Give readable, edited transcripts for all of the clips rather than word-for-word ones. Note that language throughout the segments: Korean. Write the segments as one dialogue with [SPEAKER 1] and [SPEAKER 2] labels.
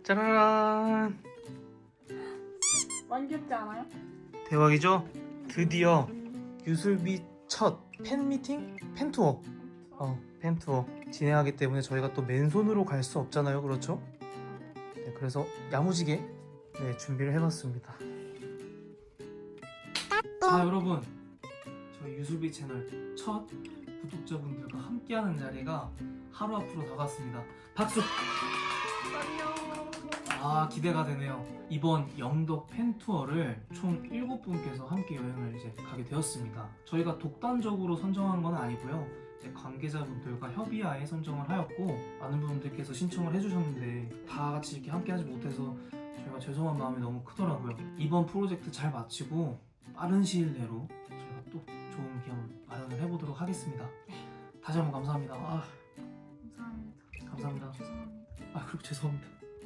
[SPEAKER 1] 짜라란.
[SPEAKER 2] 많이 귀엽지 않아요?
[SPEAKER 1] 대박이죠? 드디어 유술비 첫 팬미팅? 팬투어. 팬투어 진행하기 때문에 저희가 또 맨손으로 갈 수 없잖아요. 그렇죠? 네, 그래서 야무지게 준비를 해봤습니다. 자, 여러분, 저희 유술비 채널 첫 구독자분들과 함께하는 자리가 하루 앞으로 다가왔습니다. 박수! 아, 기대가 되네요. 이번 영덕 팬투어를 총 7분께서 함께 여행을 이제 가게 되었습니다. 저희가 독단적으로 선정한 건 아니고요. 이제 관계자분들과 협의하에 선정을 하였고, 많은 분들께서 신청을 해주셨는데 다 같이 이렇게 함께하지 못해서 저희가 죄송한 마음이 너무 크더라고요. 이번 프로젝트 잘 마치고 빠른 시일 내로 저희가 또 좋은 기억 마련을 해보도록 하겠습니다. 다시 한번 감사합니다. 감사합니다.
[SPEAKER 2] 죄송합니다.
[SPEAKER 1] 그리고 죄송합니다.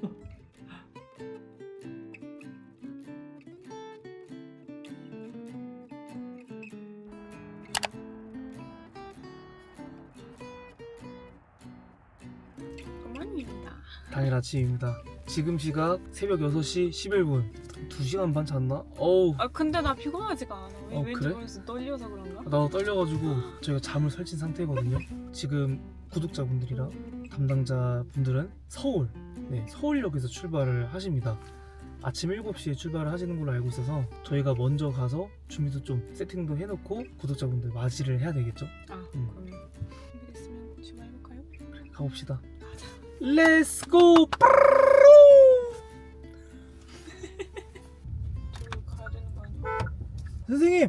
[SPEAKER 2] 어머니입니다.
[SPEAKER 1] 당일 아침입니다. 지금 시각 새벽 6시 11분. 2시간 반 잤나? 어우,
[SPEAKER 2] 근데 나 피곤하지가 않아. 왠지
[SPEAKER 1] 그래?
[SPEAKER 2] 모르겠어. 떨려서 그런가?
[SPEAKER 1] 나도 떨려가지고 저희가 잠을 설친 상태거든요. 지금 구독자분들이랑 담당자분들은 서울역에서 출발을 하십니다. 아침 7시에 출발을 하시는 걸로 알고 있어서 저희가 먼저 가서 준비도 좀 세팅도 해놓고 구독자분들 맞이를 해야 되겠죠?
[SPEAKER 2] 그럼 준비됐으면 출발해볼까요?
[SPEAKER 1] 가봅시다. Let's go!
[SPEAKER 2] 저기 가야 되는 거 아니야?
[SPEAKER 1] 선생님!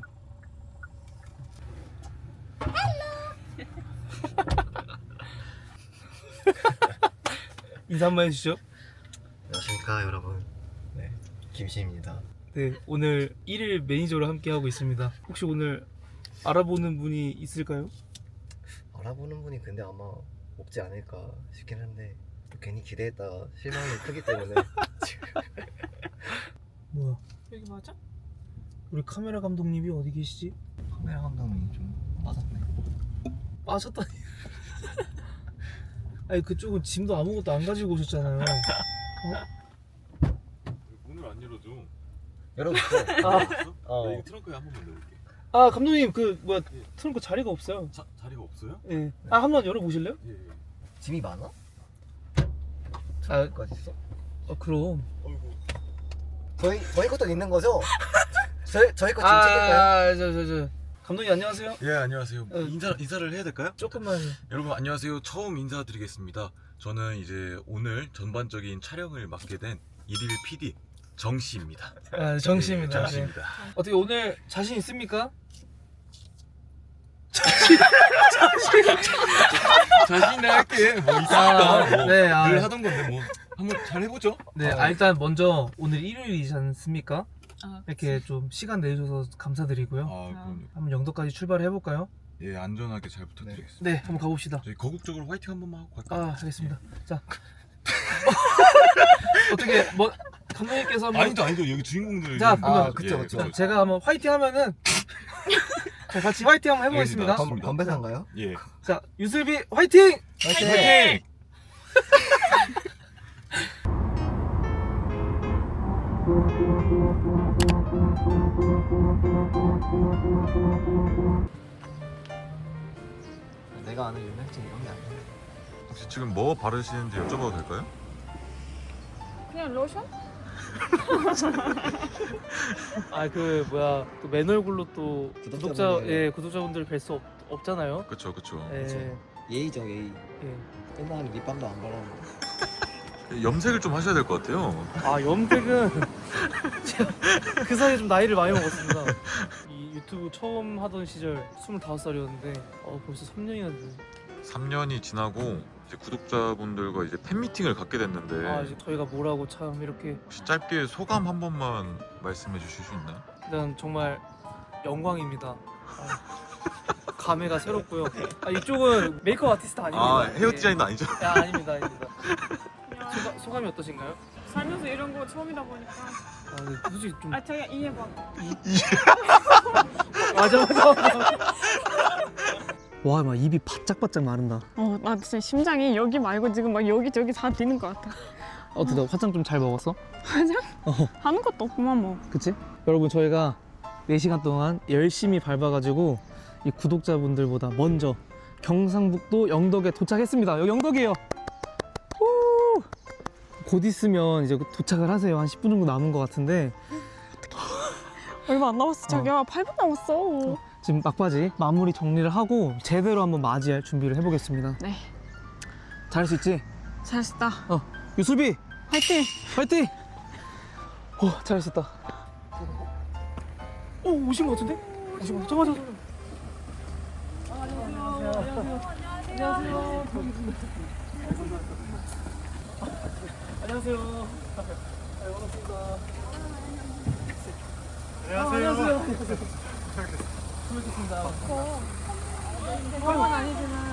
[SPEAKER 1] 인사 한번 해주시죠.
[SPEAKER 3] 안녕하십니까 여러분. 네, 김씨입니다.
[SPEAKER 1] 네, 오늘 1일 매니저로 함께하고 있습니다. 혹시 오늘 알아보는 분이 있을까요?
[SPEAKER 3] 알아보는 분이 근데 아마 없지 않을까 싶긴 한데 또 괜히 기대했다가 실망이 크기 때문에 지금.
[SPEAKER 1] 뭐야,
[SPEAKER 2] 여기 맞아?
[SPEAKER 1] 우리 카메라 감독님이 어디 계시지?
[SPEAKER 3] 카메라 감독님이 좀 맞았네.
[SPEAKER 1] 빠졌다니. 아니, 그쪽은 짐도 아무것도 안 가지고 오셨잖아요.
[SPEAKER 4] 문을 안 열어줘.
[SPEAKER 3] 열어줬어.
[SPEAKER 4] 나 이거 트렁크에 한 번만 넣을게.
[SPEAKER 1] 감독님, 트렁크 자리가 없어요.
[SPEAKER 4] 자리가 없어요?
[SPEAKER 1] 예. 한번 열어보실래요?
[SPEAKER 4] 예.
[SPEAKER 3] 짐이 많아?
[SPEAKER 1] 아,
[SPEAKER 3] 까지 있어?
[SPEAKER 1] 그럼.
[SPEAKER 4] 어이구.
[SPEAKER 3] 저희 것도 있는 거죠? 저희 거 짐 챙길까요?
[SPEAKER 1] 감독님 안녕하세요.
[SPEAKER 4] 예, 안녕하세요. 인사를 해야 될까요?
[SPEAKER 1] 조금만.
[SPEAKER 4] 여러분 안녕하세요. 처음 인사드리겠습니다. 저는 이제 오늘 전반적인 촬영을 맡게 된 일일 PD 정씨입니다.
[SPEAKER 1] 정씨입니다.
[SPEAKER 4] 네, 정씨입니다.
[SPEAKER 1] 어떻게 오늘 자신 있습니까?
[SPEAKER 4] 자신있게 할게. 뭐 있습니다.
[SPEAKER 1] 네,
[SPEAKER 4] 늘 하던 건데 뭐 한번 잘 해보죠.
[SPEAKER 1] 네, 일단 먼저 오늘 일요일이지 않습니까? 이렇게
[SPEAKER 2] 그치.
[SPEAKER 1] 좀 시간 내주셔서 감사드리고요.
[SPEAKER 4] 그럼요.
[SPEAKER 1] 한번 영덕까지 출발해 볼까요?
[SPEAKER 4] 예, 안전하게 잘 부탁드리겠습니다.
[SPEAKER 1] 네, 한번 가봅시다.
[SPEAKER 4] 저희 거국적으로 화이팅 한 번만 하고 갈까요?
[SPEAKER 1] 알겠습니다. 자, 어떻게 감독님께서 한번
[SPEAKER 4] 아니죠. 여기 주인공들.
[SPEAKER 1] 자, 그러면
[SPEAKER 3] 그쵸.
[SPEAKER 1] 자, 제가 한번 화이팅 하면은 자, 같이 화이팅 한번 해보겠습니다.
[SPEAKER 4] 알겠습니다.
[SPEAKER 3] 건배사인가요?
[SPEAKER 4] 예.
[SPEAKER 1] 자, 유슬비 화이팅!
[SPEAKER 4] 화이팅!
[SPEAKER 3] 내가 아는 유명증 이런 게 아니야.
[SPEAKER 4] 혹시 지금 뭐 바르시는지 여쭤봐도 될까요?
[SPEAKER 2] 그냥 로션?
[SPEAKER 1] 또 맨 얼굴로 또
[SPEAKER 3] 구독자분들.
[SPEAKER 1] 구독자분들 뵐 수 없잖아요.
[SPEAKER 4] 그쵸.
[SPEAKER 1] 예.
[SPEAKER 3] 예의죠 예의.
[SPEAKER 1] 예.
[SPEAKER 3] 옛날에 립밤도 안 발랐는데.
[SPEAKER 4] 염색을 좀 하셔야 될 것 같아요.
[SPEAKER 1] 염색은 제가 그 사이에 좀 나이를 많이 먹었습니다. 이 유튜브 처음 하던 시절 25살이었는데 벌써 3년이나 됐네.
[SPEAKER 4] 3년이 지나고 이제 구독자분들과 이제 팬미팅을 갖게 됐는데
[SPEAKER 1] 이제 저희가 뭐라고 참 이렇게
[SPEAKER 4] 혹시 짧게 소감 한 번만 말씀해 주실 수 있나요?
[SPEAKER 1] 일단 정말 영광입니다. 감회가 새롭고요. 이쪽은 메이크업 아티스트 아닙니다.
[SPEAKER 4] 헤어 디자인도 아니죠?
[SPEAKER 1] 아닙니다.
[SPEAKER 2] 그냥
[SPEAKER 1] 소감이 어떠신가요?
[SPEAKER 2] 살면서 이런 거 처음이다 보니까.
[SPEAKER 1] 근데 솔직히 좀
[SPEAKER 2] 자기가 이해봐.
[SPEAKER 1] 맞아.
[SPEAKER 5] 와, 막 입이 바짝바짝 마른다.
[SPEAKER 2] 나 진짜 심장이 여기 말고 지금 막 여기저기 다 뛰는 것 같아.
[SPEAKER 1] 어떻게 화장 좀 잘 먹었어?
[SPEAKER 2] 화장? 하는 것도 없구만 뭐.
[SPEAKER 1] 그치? 여러분 저희가 4시간 동안 열심히 밟아가지고 이 구독자분들보다 먼저 경상북도 영덕에 도착했습니다. 여기 영덕이에요. 후! 곧 있으면 이제 도착을 하세요. 한 10분 정도 남은 것 같은데
[SPEAKER 2] 얼마 안 남았어. 자기야 8분 남았어.
[SPEAKER 1] 지금 막바지 마무리 정리를 하고 제대로 한번 맞이할 준비를 해보겠습니다.
[SPEAKER 2] 네.
[SPEAKER 1] 잘할 수 있지?
[SPEAKER 2] 잘했다.
[SPEAKER 1] 유수비
[SPEAKER 2] 화이팅.
[SPEAKER 1] 화이팅! 잘할 수 있다. 오신 것 같은데? 오신 것 같아. 잠깐만. 안녕하세요. 안녕하세요. 수고하셨습니다.
[SPEAKER 2] 그건 아니지만.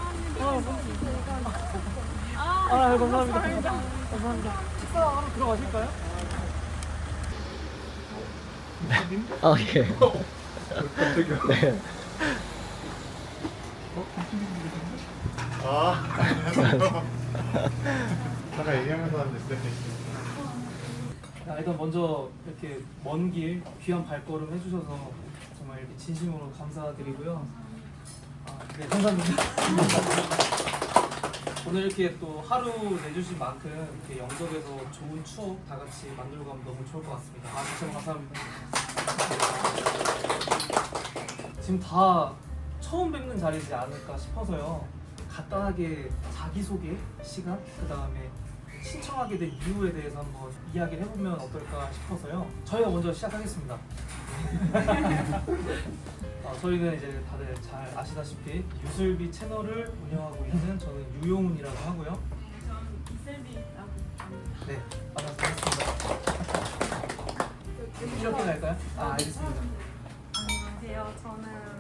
[SPEAKER 1] 감사합니다. 감사합니다. 식사하러 들어가실까요?
[SPEAKER 3] 아 예. 네.
[SPEAKER 5] 잠깐 얘기하면서 하는데
[SPEAKER 1] 일단 먼저 이렇게 먼 길 귀한 발걸음 해주셔서 정말 이렇게 진심으로 감사드리고요. 네, 감사합니다. 오늘 이렇게 또 하루 내주신 만큼 이렇게 영덕에서 좋은 추억 다 같이 만들고 가면 너무 좋을 것 같습니다. 진짜 감사합니다. 지금 다 처음 뵙는 자리지 않을까 싶어서요. 간단하게 자기소개 시간, 그 다음에 신청하게 된 이유에 대해서 한번 이야기를 해보면 어떨까 싶어서요. 저희가 먼저 시작하겠습니다. 저희는 이제 다들 잘 아시다시피 유슬비 채널을 운영하고 있는 저는 유용훈이라고 하고요.
[SPEAKER 6] 저는 이슬비라고 합니다.
[SPEAKER 1] 네, 반갑습니다. 이렇게 갈까요? 알겠습니다.
[SPEAKER 6] 안녕하세요. 저는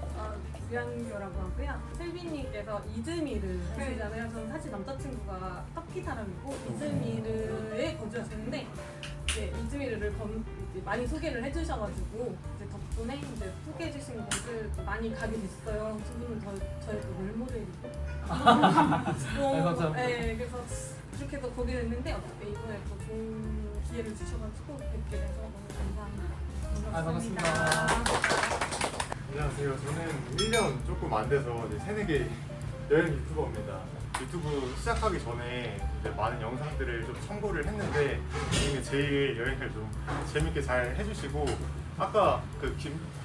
[SPEAKER 6] 유양교라고 하고요. 슬비님께서 이즈미르 하시잖아요. 저는 사실 남자친구가 터키 사람이고 이즈미르에 거주하시는데 이제 이즈미르를 이제 많이 소개를 해주셔가지고 이제 덕분에 이제 소개해주신 곳을 많이 가게 됐어요. 두 분은 저의 또 롤모델이고.
[SPEAKER 1] 감사합니다.
[SPEAKER 6] 네, 그래서 그렇게 해서 보게 됐는데 어떻게 이번에 또 좋은 기회를 주셔가지고 뵙게 돼서 너무 감사합니다.
[SPEAKER 1] 반갑습니다.
[SPEAKER 5] 안녕하세요. 저는 1년 조금 안 돼서 이제 새내기 여행 유튜버입니다. 유튜브 시작하기 전에 이제 많은 영상들을 좀 참고를 했는데 이게 제일 여행을 좀 재밌게 잘 해주시고 아까 그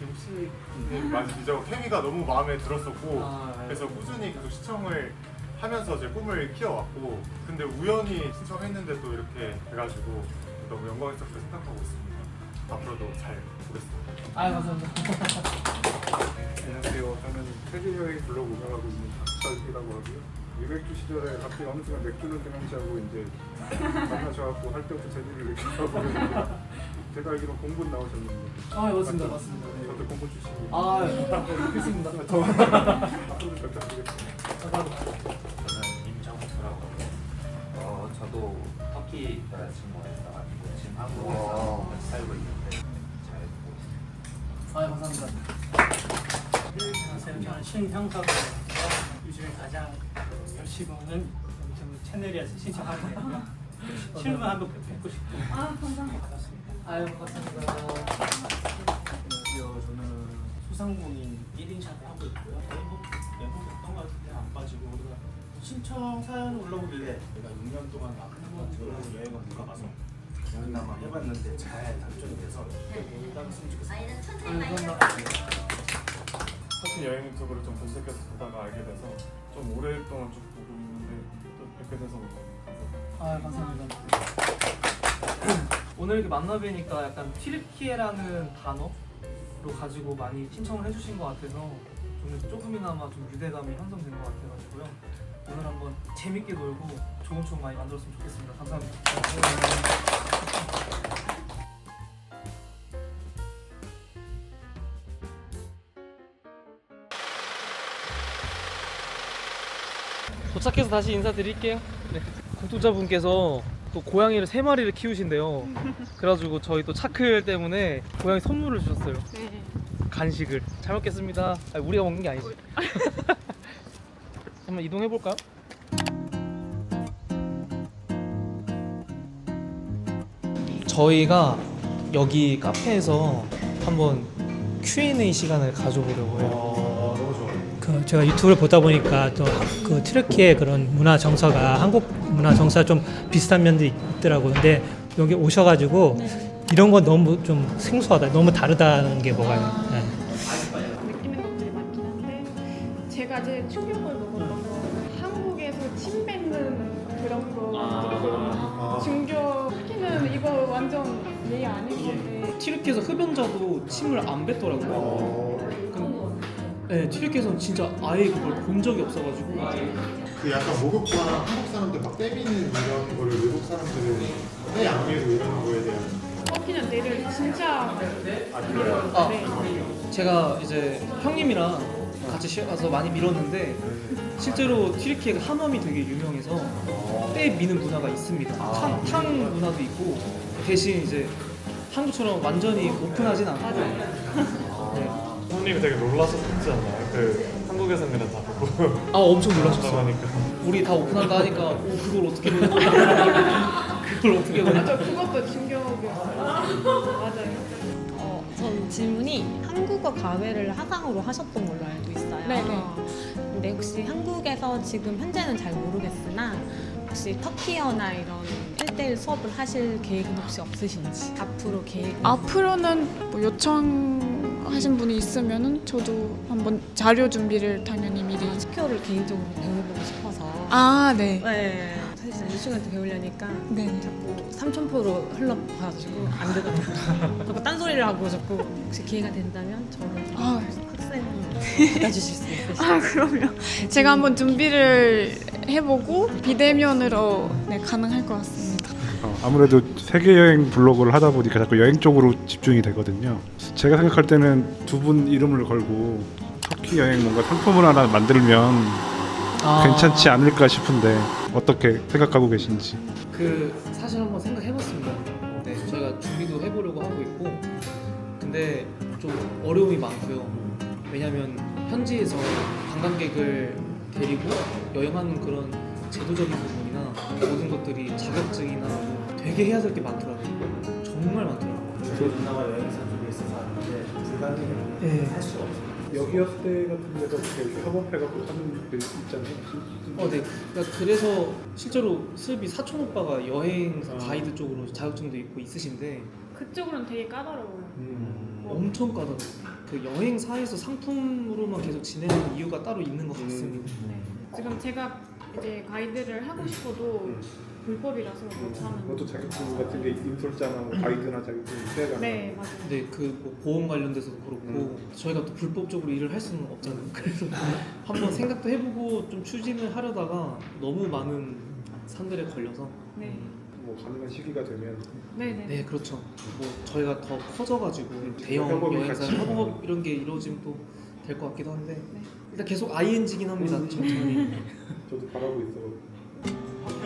[SPEAKER 5] 김씨님 맞으시죠? 케미가 너무 마음에 들었었고 그래서 꾸준히 계속 시청을 하면서 제 꿈을 키워왔고 근데 우연히 신청했는데 또 이렇게 돼가지고 너무 영광스럽게 생각하고 있습니다. 앞으로도 잘 보겠습니다.
[SPEAKER 1] 감사합니다.
[SPEAKER 7] 안녕하세요. 저는 세계여행 블로그 운영하고 있는 박철기라고 하고요. 유백주 시절에 갑자기 어느 순간 맥주는 등한시하고 이제 만나셔갖고 할 때부터 재미를 느끼고 있는데 제가 알기로 공군 나오셨는데
[SPEAKER 1] 맞습니다. 맞습니다. 네.
[SPEAKER 7] 저도 공군 출신이에요.
[SPEAKER 1] 그렇습니다.
[SPEAKER 7] 앞으로도 잘 부탁드리겠습니다.
[SPEAKER 8] 저는 임정수라고 합니다. 저도 터키 여자친구가 있어가지고 지금 한국에서 같이 살고 있는데 잘 보고 있습니다.
[SPEAKER 1] 감사합니다.
[SPEAKER 9] 안녕하세요. 저는 신형사고요. 요즘에 가장 열심히 오는 유튜브 채널이라서 신청하게 되고요. 실물 한번 뵙고 싶고.
[SPEAKER 6] 감사합니다.
[SPEAKER 9] 반갑습니다.
[SPEAKER 1] 반갑습니다.
[SPEAKER 9] 안녕하세요. 저는 소상공인 1인샵을 하고 있고요. 멤버였던 것 같은데 안 빠지고 우리가 신청 사연 올라오길래 내가 6년 동안 한번 여행을 못 가봐서 여행나마 해봤는데 잘 당첨이 돼서 나갔으면 좋겠습니다.
[SPEAKER 5] 터키 여행 유튜브를 좀 검색해서 보다가 알게 돼서 좀 오랫동안 쭉 보고 있는데 또 뵙게 돼서 너무 감사합니다.
[SPEAKER 1] 감사합니다. 오늘 이렇게 만나 뵈니까 약간 튀르키예라는 단어로 가지고 많이 신청을 해주신 것 같아서 저는 조금이나마 좀 유대감이 형성된 것 같아가지고요. 오늘 한번 재밌게 놀고 좋은 추억 많이 만들었으면 좋겠습니다. 감사합니다. 도착해서 다시 인사드릴게요. 네. 구독자분께서 또 고양이를 3마리를 키우신대요. 그래가지고 저희 또 차클 때문에 고양이 선물을 주셨어요.
[SPEAKER 2] 네.
[SPEAKER 1] 간식을. 잘 먹겠습니다. 아니, 우리가 먹는 게 아니지. 한번 이동해 볼까요? 저희가 여기 카페에서 한번 Q&A 시간을 가져보려고요.
[SPEAKER 5] 너무 좋아요.
[SPEAKER 10] 그 제가 유튜브를 보다 보니까 또 그 튀르키예 그런 문화 정서가 한국 문화 정서와 좀 비슷한 면도 있더라고요. 근데 여기 오셔가지고 이런 건 너무 좀 생소하다, 너무 다르다는 게 뭐가요? 네.
[SPEAKER 2] 느끼는 것들이 많긴 한데 제가 제일 충격을 먹었던 건 한국에서 침 뱉는 그런 거 중교 특히는 이거 완전 예의 아닌 건데
[SPEAKER 1] 튀르키예에서 흡연자도 침을 안 뱉더라고요. 네, 튀르키예에서는 진짜 아예 그걸 본 적이 없어가지고
[SPEAKER 5] 그 약간 모국과 한국 사람들 막 때미는 이런 거를 외국 사람들은 해 양미고 이런 거에 대한
[SPEAKER 2] 그냥 내를 진짜
[SPEAKER 1] 아,
[SPEAKER 2] 네.
[SPEAKER 1] 제가 이제 형님이랑 같이 가서 많이 밀었는데 실제로 튀르키예가 하멈이 되게 유명해서 때 미는 문화가 있습니다. 탕 문화도 있고 대신 이제 한국처럼 완전히 오픈하진 않고 네.
[SPEAKER 5] 형님이 되게 놀라셨지 않나요? 그 한국에서는 그냥 다 보고
[SPEAKER 1] 아 엄청 놀라셨어요.
[SPEAKER 5] 하니까
[SPEAKER 1] 우리 다 오픈한다 하니까 그걸 어떻게 보냐 그걸 어떻게 보냐
[SPEAKER 2] 저 그것도 충격이었어요. 맞아요.
[SPEAKER 11] 전 질문이 한국어 과외를 화상으로 하셨던 걸로 알고 있어요.
[SPEAKER 2] 네네.
[SPEAKER 11] 근데 혹시 한국에서 지금 현재는 잘 모르겠으나 혹시 터키어나 이런 1대1 수업을 하실 계획은 혹시 없으신지 앞으로 계획
[SPEAKER 2] 앞으로는 뭐 요청하신 분이 있으면은 저도 한번 자료 준비를 당연히 미리.
[SPEAKER 11] 스퀘어를 개인적으로 배워보고 싶어서
[SPEAKER 2] 네.
[SPEAKER 11] 네. 사실 이 시간에 배우려니까
[SPEAKER 2] 네.
[SPEAKER 11] 자꾸 삼천포로 흘러가가지고 안 되더라고요. 자꾸 딴소리를 하고 자꾸 혹시 기회가 된다면 저를 좀 학생 받아주실 수 있으실까요?
[SPEAKER 2] 그럼요. 제가 한번 준비를 해보고 비대면으로 가능할 것 같습니다.
[SPEAKER 7] 아무래도 세계 여행 블로그를 하다 보니까 자꾸 여행 쪽으로 집중이 되거든요. 제가 생각할 때는 두 분 이름을 걸고 터키 여행 뭔가 상품을 하나 만들면 괜찮지 않을까 싶은데 어떻게 생각하고 계신지.
[SPEAKER 1] 그 사실 한번 생각해봤습니다. 네, 저희가 준비도 해보려고 하고 있고 근데 좀 어려움이 많고요. 왜냐하면 현지에서 관광객을 데리고 여행하는 그런 제도적인 부분이나 모든 것들이 자격증이나 뭐 되게 해야 될 게 많더라고요. 정말 많더라고요.
[SPEAKER 9] 저희 누나가 여행사 쪽에 있어서 아는데 불가능해요. 할 수가 없어요.
[SPEAKER 7] 여기였을 때 같은 데서 이렇게 협업해갖고 하는 데 있잖아요.
[SPEAKER 1] 네. 그러니까 그래서 실제로 슬비 사촌 오빠가 여행사 가이드 쪽으로 자격증도 있고 있으신데
[SPEAKER 2] 그쪽으로는 되게 까다로워요.
[SPEAKER 1] 엄청 까다로워요. 그 여행사에서 상품으로만 계속 지내는 이유가 따로 있는 것 같습니다.
[SPEAKER 2] 지금 제가 이제 가이드를 하고 싶어도 불법이라서 못하는.
[SPEAKER 7] 그것도 자격증 같은 게 인솔자나 뭐 가이드나 자격증 있어야 되나?
[SPEAKER 2] 네, 맞아요.
[SPEAKER 1] 근데 그 보험 관련돼서도 그렇고 저희가 또 불법적으로 일을 할 수는 없잖아요. 그래서 한번 생각도 해보고 좀 추진을 하려다가 너무 많은 산들에 걸려서
[SPEAKER 2] 네.
[SPEAKER 7] 뭐 가능한 시기가 되면
[SPEAKER 2] 네네.
[SPEAKER 1] 네 그렇죠. 뭐 저희가 더 커져가지고 대형
[SPEAKER 7] 협업이
[SPEAKER 1] 여행사
[SPEAKER 7] 같이.
[SPEAKER 1] 협업 이런 게 이루어지면 또 될 것 같기도 한데
[SPEAKER 2] 네.
[SPEAKER 1] 일단 계속 ING긴 합니다. 천천히.
[SPEAKER 7] 저도 바라고 있어.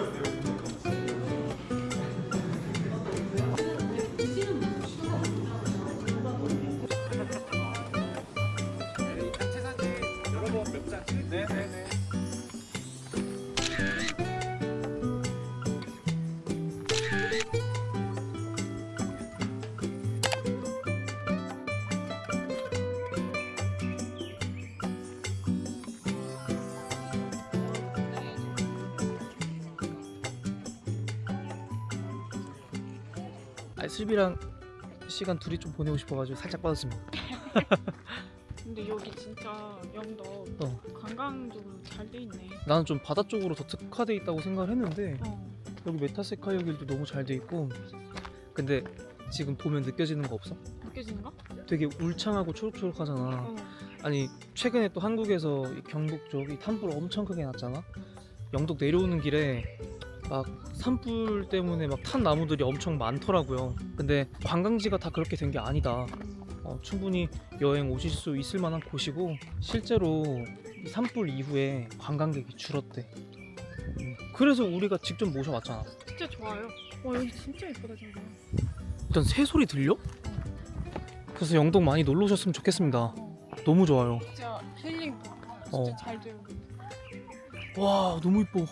[SPEAKER 1] 슬비랑 시간 둘이 좀 보내고 싶어가지고 살짝 빠졌습니다.
[SPEAKER 2] 근데 여기 진짜 영덕 관광적으로 잘 돼 있네.
[SPEAKER 1] 나는 좀 바다 쪽으로 더 특화돼 있다고 생각을 했는데
[SPEAKER 2] 어.
[SPEAKER 1] 여기 메타세카이어 길도 너무 잘 돼 있고 근데 지금 보면 느껴지는 거 없어?
[SPEAKER 2] 느껴지는 거?
[SPEAKER 1] 되게 울창하고 초록초록하잖아.
[SPEAKER 2] 어.
[SPEAKER 1] 아니 최근에 또 한국에서 이 경북 쪽이 산불 엄청 크게 났잖아. 영덕 내려오는 길에 막 산불 때문에 막 탄 나무들이 엄청 많더라고요. 근데 관광지가 다 그렇게 된 게 아니다. 충분히 여행 오실 수 있을 만한 곳이고 실제로 이 산불 이후에 관광객이 줄었대. 그래서 우리가 직접 모셔왔잖아.
[SPEAKER 2] 진짜 좋아요. 와 여기 진짜 예쁘다 진짜.
[SPEAKER 1] 일단 새 소리 들려? 그래서 영덕 많이 놀러 오셨으면 좋겠습니다. 너무 좋아요.
[SPEAKER 2] 진짜 힐링 진짜
[SPEAKER 1] 어.
[SPEAKER 2] 잘 돼요.
[SPEAKER 1] 와 너무 이뻐.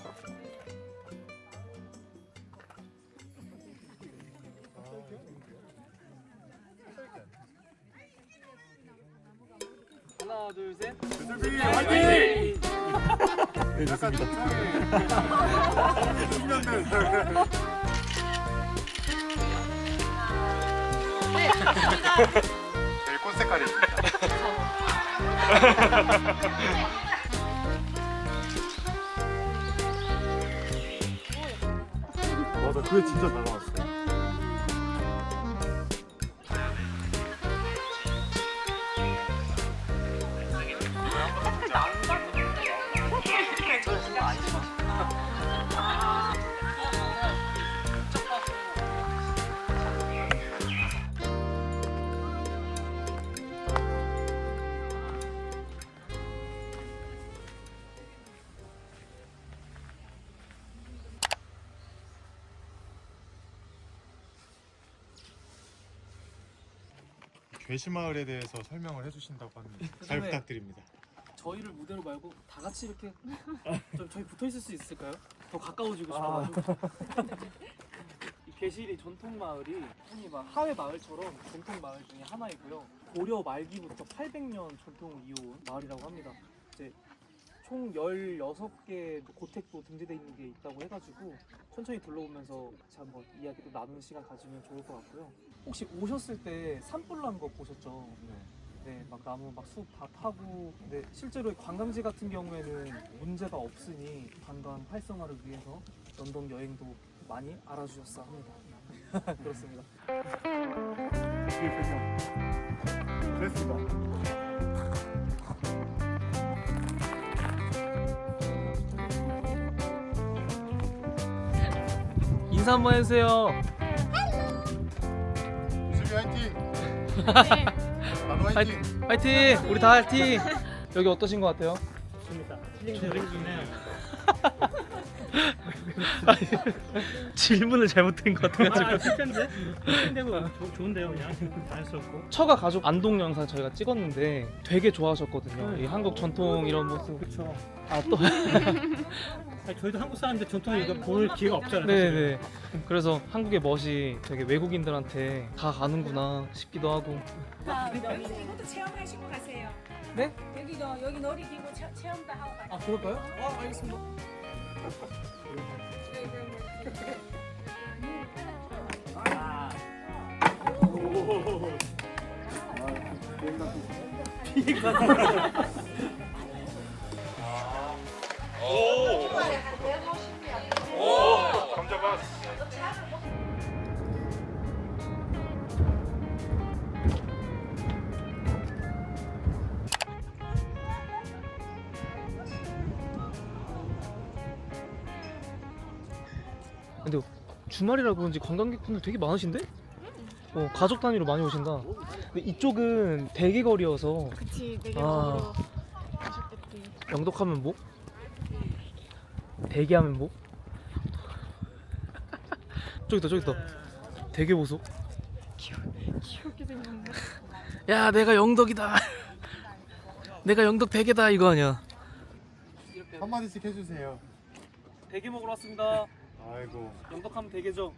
[SPEAKER 1] 하나 둘 셋.
[SPEAKER 5] 유슬비 화이팅! 네, 좋습니다. 제일 꽃 색깔입니다. 맞아, 그게 진짜 잘 나왔어요. 괴시마을에 대해서 설명을 해주신다고 합니다. 잘
[SPEAKER 1] 그다음에-
[SPEAKER 5] 부탁드립니다.
[SPEAKER 1] 저희를 무대로 말고 다 같이 이렇게 좀 저희 붙어 있을 수 있을까요? 더 가까워지고 싶어가지고. 이 괴실이 전통 마을이 흔히 막 하회 마을처럼 전통 마을 중에 하나이고요. 고려 말기부터 800년 전통을 이어온 마을이라고 합니다. 이제 총 16개 고택도 등재되어 있는 게 있다고 해가지고 천천히 둘러보면서 같이 한번 이야기도 나누는 시간 가지면 좋을 것 같고요. 혹시 오셨을 때 산불 난 거 보셨죠? 네, 막 나무 막 숲 다 타고. 근데 실제로 관광지 같은 경우에는 문제가 없으니 관광 활성화를 위해서 런던 여행도 많이 알아주셨어 합니다. 그렇습니다.
[SPEAKER 5] 됐습니다.
[SPEAKER 1] 인사 한번 해주세요.
[SPEAKER 5] 유슬비 화이팅! 나도 화이팅!
[SPEAKER 1] 화이팅! 우리 다 화이팅! 여기 어떠신 것 같아요?
[SPEAKER 9] 좋습니다. 힐링 중이네요.
[SPEAKER 1] 질문을 잘못드린 것 같아가지고.
[SPEAKER 9] 실패인데? 실패되고 좋은데요, 그냥 자연스럽고.
[SPEAKER 1] 처가 가족 안동 영상 저희가 찍었는데 되게 좋아하셨거든요. 이 한국 전통 이런 모습.
[SPEAKER 9] 그렇죠.
[SPEAKER 1] 또
[SPEAKER 9] 저희도 한국 사람인데 전통을 이거 볼 기회가 없잖아요.
[SPEAKER 1] 네네. 그래서 한국의 멋이 되게 외국인들한테 다 가는구나 싶기도 하고.
[SPEAKER 12] 여기서 이것도 체험하시고 가세요.
[SPEAKER 1] 네?
[SPEAKER 12] 여기 놀이기구 체험도 하고 가세요.
[SPEAKER 1] 아 그럴까요? 알겠습니다.
[SPEAKER 5] 감자밭.
[SPEAKER 1] 근데 주말이라 그런지 관광객분들 되게 많으신데? 가족 단위로 많이 오신다. 근데 이쪽은 대게거리여서.
[SPEAKER 2] 그치, 되게
[SPEAKER 1] 아.
[SPEAKER 2] 먹으러 가셨겠지.
[SPEAKER 1] 영덕하면 뭐? 대게하면 뭐? 저기다. 대게 보소.
[SPEAKER 2] 귀엽게 생겼네.
[SPEAKER 1] 야, 내가 영덕이다. 내가 영덕 대게다 이거 아니야.
[SPEAKER 5] 한마디씩 해주세요.
[SPEAKER 1] 대게 먹으러 왔습니다.
[SPEAKER 5] 아이고.
[SPEAKER 1] 영덕하면 대게죠.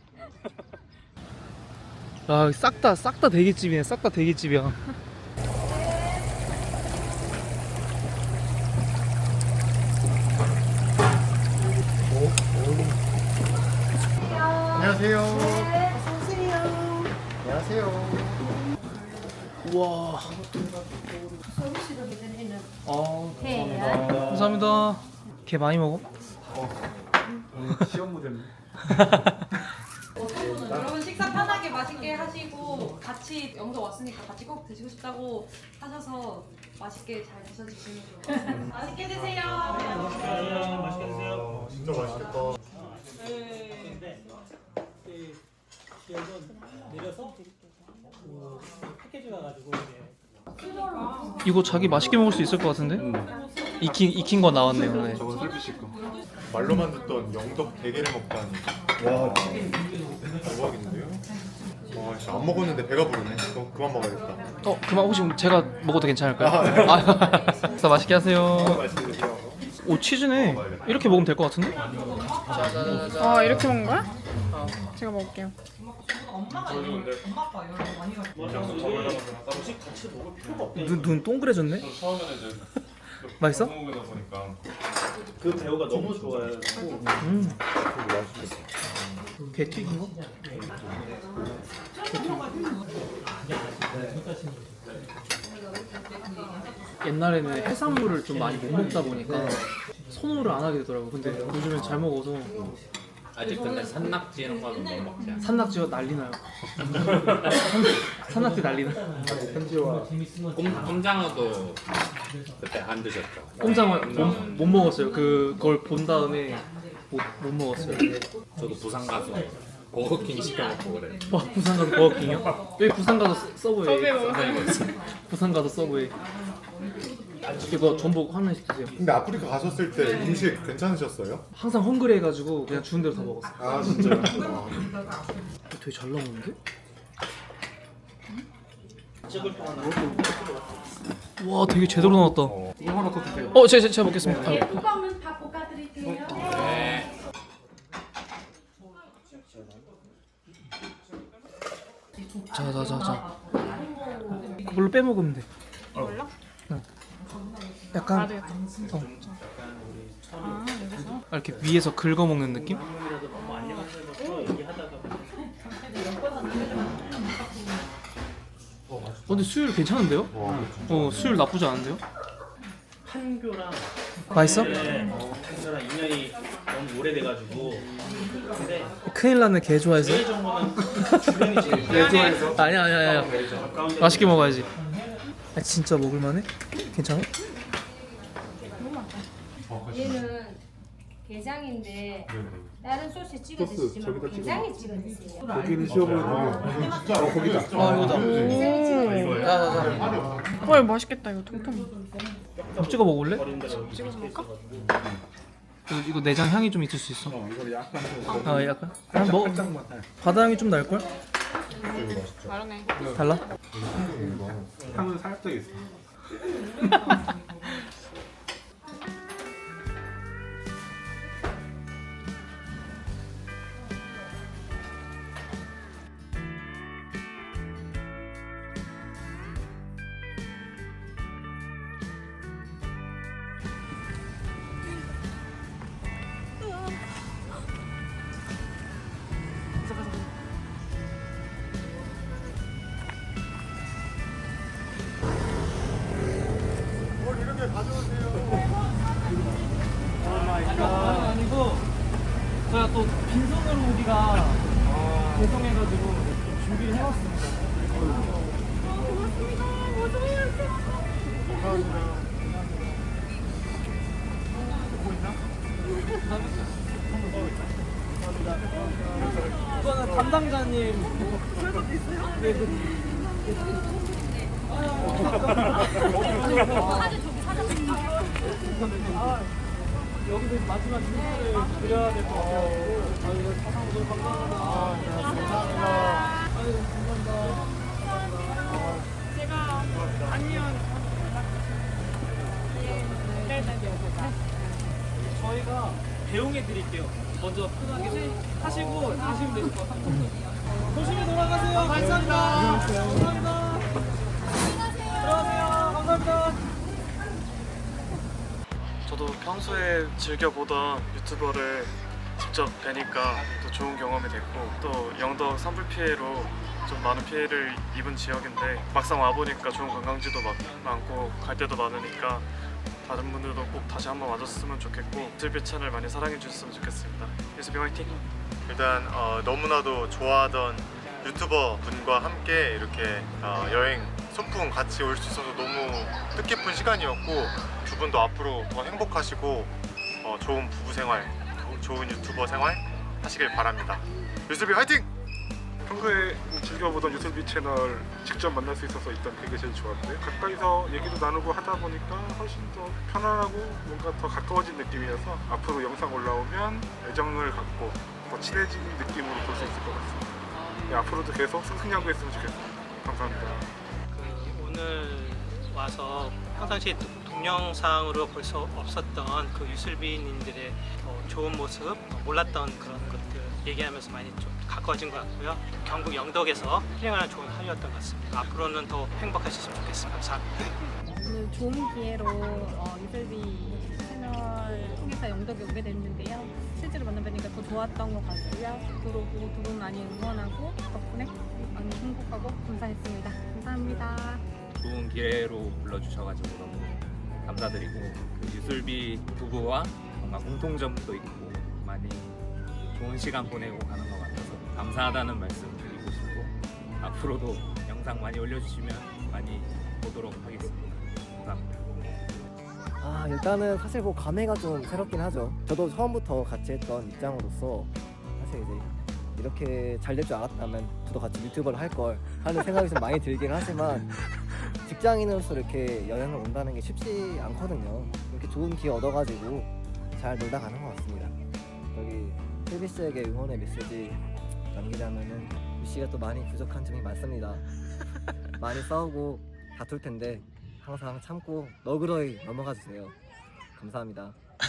[SPEAKER 1] 아, 싹 다 대게집이네. 싹 다 대게집이야.
[SPEAKER 5] 안녕하세요.
[SPEAKER 12] 어서오세요.
[SPEAKER 5] 안녕하세요.
[SPEAKER 1] 우와.
[SPEAKER 12] 서울시로 해드리는
[SPEAKER 1] 감사합니다. 감사합니다. 게 많이 먹어?
[SPEAKER 5] 시험 모델.
[SPEAKER 11] 여러분 식사 편하게 맛있게 하시고 같이 영도 왔으니까 같이 꼭 드시고 싶다고 하셔서 맛있게 잘 드셔주시면 좋을 것 같습니다. 맛있게 드세요.
[SPEAKER 9] 맛있게 드세요.
[SPEAKER 5] 진짜 맛있겠다.
[SPEAKER 9] 여기 내려서 패키지가 가지고
[SPEAKER 1] 이거 자기 맛있게 먹을 수 있을 것 같은데? 익힌 거 나왔네요. 네.
[SPEAKER 5] 저건 슬비 씨 거. 말로만 듣던 영덕 대게를 먹다니. 와, 대박인데요? 와, 진짜 안 먹었는데 배가 부르네. 그만 먹어야겠다.
[SPEAKER 1] 그만 혹시 제가 먹어도 괜찮을까요? 아, 맛있게 하세요.
[SPEAKER 5] 맛있게 드세요.
[SPEAKER 1] 오, 치즈네. 이렇게 먹으면 될 것 같은데?
[SPEAKER 2] 아, 이렇게 먹는 거야? 제가 먹을게요.
[SPEAKER 9] 음식 같이 먹을 필요가 없대.
[SPEAKER 1] 눈 동그래졌네?
[SPEAKER 4] 처음에는 이제
[SPEAKER 1] 맛있어?
[SPEAKER 4] 먹다 보니까
[SPEAKER 9] 그 배우가 너무 좋아요.
[SPEAKER 1] 게 튀긴 거? 옛날에는 해산물을 좀 많이 못 먹다 보니까 선호를 안 하게 되더라고. 근데 요즘엔 잘 먹어서
[SPEAKER 8] 아직 근데 산낙지 이런 거는 못 먹지 않아?
[SPEAKER 1] 산낙지가 난리 나요. 산낙지 난리 나.
[SPEAKER 8] 꼼장어도 그때 안 드셨죠?
[SPEAKER 1] 꼼장어 못 먹었어요. 그걸 본 다음에 못 먹었어요.
[SPEAKER 8] 저도 부산 가서 버거킹 시켜 먹고 그래.
[SPEAKER 1] 부산 가서 버거킹이요? 여기 부산 가서 서브웨이. 부산 가서 서브웨이. 이거 전복 하나씩 드세요.
[SPEAKER 5] 근데 아프리카 가셨을 때 음식 괜찮으셨어요?
[SPEAKER 1] 항상 헝그리 해가지고 그냥 주는 대로 다 먹었어요.
[SPEAKER 5] 아 진짜요?
[SPEAKER 1] 되게 잘 나오는데? 와 되게 제대로 나왔다.
[SPEAKER 5] 이거 하나 더 드세요.
[SPEAKER 1] 제가 먹겠습니다. 아유.
[SPEAKER 12] 뚜껑은 다 볶아드릴게요.
[SPEAKER 1] 자. 그걸로 빼먹으면 돼.
[SPEAKER 2] 이걸로?
[SPEAKER 1] 응. 약간 이렇게 위에서 긁어 먹는 느낌? 근데 수율 괜찮은데요? 수율 나쁘지 않은데요?
[SPEAKER 9] 한교랑
[SPEAKER 1] 맛있어?
[SPEAKER 9] 한교랑 인연이 너무 오래돼가지고 근데
[SPEAKER 1] 큰일 났네. 개 좋아해서.
[SPEAKER 9] 제일 정보는 주변이 제일
[SPEAKER 1] 개 좋아해서? 아니야. 맛있게 먹어야지. 진짜 먹을만해? 괜찮아?
[SPEAKER 13] 얘는 게장인데 다른 소스에 찍어 드시지만 게장에 찍어 드세요.
[SPEAKER 7] 고기는 씌워보는 진짜 고기다.
[SPEAKER 1] 이거다.
[SPEAKER 2] 헐 맛있겠다 이거 통통.
[SPEAKER 1] 찍어 먹을래?
[SPEAKER 2] 찍어서 먹을까?
[SPEAKER 1] 이거 내장 향이 좀 있을 수 있어.
[SPEAKER 7] 이거 약간
[SPEAKER 1] 약간? 그냥 먹어. 바다 향이 좀 날걸?
[SPEAKER 2] 다르네.
[SPEAKER 1] 달라?
[SPEAKER 7] 향은 살짝 있어.
[SPEAKER 1] 아니고 제가 또 빈손으로 오기가 죄송해가지고 준비를 해왔습니다. 이거는 담당자님. 설거지 있어요? 네. 여기서 마지막 인사를 드려야 될 것 같아요. 이거 사상 너무 감사합니다. 감사합니다. 감사합니다.
[SPEAKER 2] 제가 아니면
[SPEAKER 1] 저희가 배웅해 드릴게요. 먼저 편하게 하시고 가시면 되실 것 같아요. 조심히 돌아가세요. 감사합니다. 감사합니다. 들어가세요. 감사합니다. 저도 평소에 즐겨보던 유튜버를 직접 뵈니까 또 좋은 경험이 됐고, 또 영덕 산불 피해로 좀 많은 피해를 입은 지역인데 막상 와보니까 좋은 관광지도 많고 갈 데도 많으니까 다른 분들도 꼭 다시 한번 와줬으면 좋겠고 유튜브 채널 많이 사랑해 주셨으면 좋겠습니다. 유튜브 화이팅!
[SPEAKER 5] 일단 너무나도 좋아하던 유튜버 분과 함께 이렇게 여행 소풍 같이 올 수 있어서 너무 뜻깊은 시간이었고, 두 분도 앞으로 더 행복하시고 좋은 부부 생활, 좋은 유튜버 생활 하시길 바랍니다. 유튜브 화이팅!
[SPEAKER 7] 평소에 즐겨보던 유튜브 채널 직접 만날 수 있어서 일단 그게 제일 좋았는데, 가까이서 얘기도 나누고 하다 보니까 훨씬 더 편안하고 뭔가 더 가까워진 느낌이어서 앞으로 영상 올라오면 애정을 갖고 더 친해진 느낌으로 볼 수 있을 것 같습니다. 네, 앞으로도 계속 승승장구했으면 좋겠습니다. 감사합니다.
[SPEAKER 10] 오늘 와서 평상시에 동영상으로 볼 수 없었던 그 유술비님들의 좋은 모습, 몰랐던 그런 것들 얘기하면서 많이 좀 가까워진 것 같고요. 경북 영덕에서 힐링하는 좋은 하루였던 것 같습니다. 앞으로는 더 행복하셨으면 좋겠습니다. 감사합니다.
[SPEAKER 6] 오늘 좋은 기회로 유설비 채널 통해서 영덕에 오게 됐는데요. 실제로 만나뵈니까 더 좋았던 것 같고요. 앞으로 두 분 많이 응원하고 덕분에 많이 행복하고 감사했습니다. 감사합니다.
[SPEAKER 8] 좋은 기회로 불러주셔가지고 너무 감사드리고 그 유술비 부부와 뭔가 공통점도 있고 많이 좋은 시간 보내고 가는 것 같아서 감사하다는 말씀 드리고 싶고 앞으로도 영상 많이 올려주시면 많이 보도록 하겠습니다. 감사합니다.
[SPEAKER 3] 일단은 사실 뭐 감회가 좀 새롭긴 하죠. 저도 처음부터 같이 했던 입장으로서 사실 이제 이렇게 잘 될 줄 알았다면 저도 같이 유튜버를 할 걸 하는 생각이 좀 많이 들긴 하지만 직장인으로서 이렇게 여행을 온다는 게 쉽지 않거든요. 이렇게 좋은 기회 얻어가지고 잘 놀다 가는 것 같습니다. 여기 셀비 씨에게 응원의 메시지 남기자면은 유 씨가 또 많이 부족한 점이 많습니다. 많이 싸우고 다툴 텐데 항상 참고 너그러이 넘어가 주세요. 감사합니다.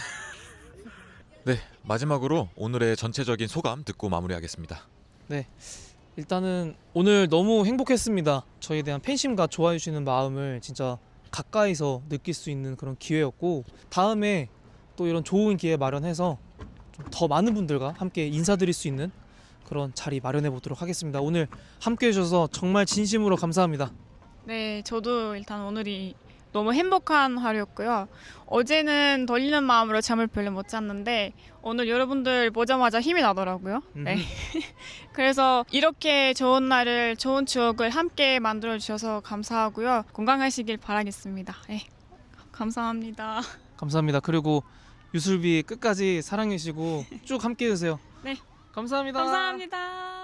[SPEAKER 4] 네, 마지막으로 오늘의 전체적인 소감 듣고 마무리하겠습니다.
[SPEAKER 1] 네, 일단은 오늘 너무 행복했습니다. 저희에 대한 팬심과 좋아해 주시는 마음을 진짜 가까이서 느낄 수 있는 그런 기회였고 다음에 또 이런 좋은 기회 마련해서 좀 더 많은 분들과 함께 인사드릴 수 있는 그런 자리 마련해 보도록 하겠습니다. 오늘 함께 해주셔서 정말 진심으로 감사합니다.
[SPEAKER 2] 네, 저도 일단 오늘이 너무 행복한 하루였고요. 어제는 떨리는 마음으로 잠을 별로 못 잤는데 오늘 여러분들 보자마자 힘이 나더라고요. 네. 그래서 이렇게 좋은 날을, 좋은 추억을 함께 만들어 주셔서 감사하고요. 건강하시길 바라겠습니다. 네. 감사합니다.
[SPEAKER 1] 감사합니다. 그리고 유술비 끝까지 사랑해 주시고 쭉 함께 해주세요.
[SPEAKER 2] 네.
[SPEAKER 1] 감사합니다.
[SPEAKER 2] 감사합니다.